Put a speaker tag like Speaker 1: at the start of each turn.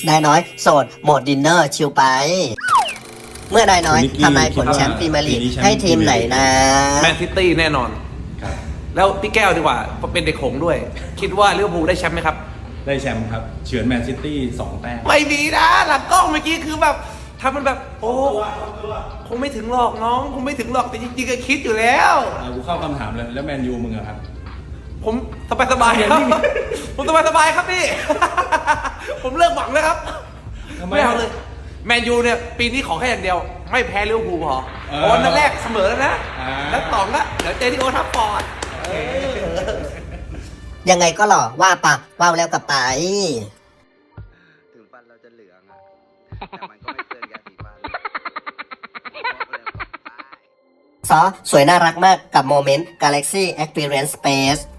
Speaker 1: นายน้อยโสดโหมดดินเนอร์ชิลไป เมื่อนายน้อยทำนายผลแชมป์พรีเมียร์ลีกให้ทีมไหนนะ
Speaker 2: แมนซิตี้แน่นอน
Speaker 3: ครับ
Speaker 2: แล้วพี่แก้วดีกว่าเป็นเด็กหงส์ด้วย คิดว่าลิเวอร์พูลได้แชมป์ไหมครับ
Speaker 3: ได้แชมป์ครับเฉือนแมนซิตี้2 แต้ม
Speaker 2: ไม่มีนะหลังกล้องเมื่อกี้คือแบบทำมันแบบโอ้คงไม่ถึงหรอกน้องคงไม่ถึงหรอกแต่จริงๆก็คิดอยู่แล้ว
Speaker 3: กูเข้าคำถามเลยแล้วแมนยูมึงอะครับ
Speaker 2: ผมสบายๆครับ ผมสบายๆครับพี่ ผมเลิกหวังแล้วครับ
Speaker 3: ทำไม
Speaker 2: ไม่เอาเลยแมนยูเนี่ยปีนี้ขอแค่อย่างเดียว ไม่แพ้ลิเวอร์พูลพอ
Speaker 3: เออ
Speaker 2: โอ้นัดแรกเสมอแล้วนะ
Speaker 3: อ่า
Speaker 2: แล้วต่อละเดี๋ยวเจอที่โอทัฟฟอร์ด
Speaker 1: ยังไงก็หล่อว่าปะว่าวแล้วกับไป
Speaker 4: ถึงฟันเราจะเหลืองอะแต่มันก็ไม่เกินยาสีฟันบอกเลยว่าตาย
Speaker 1: ซอสวยน่ารักมากกับโมเมนต์ Galaxy Experience Space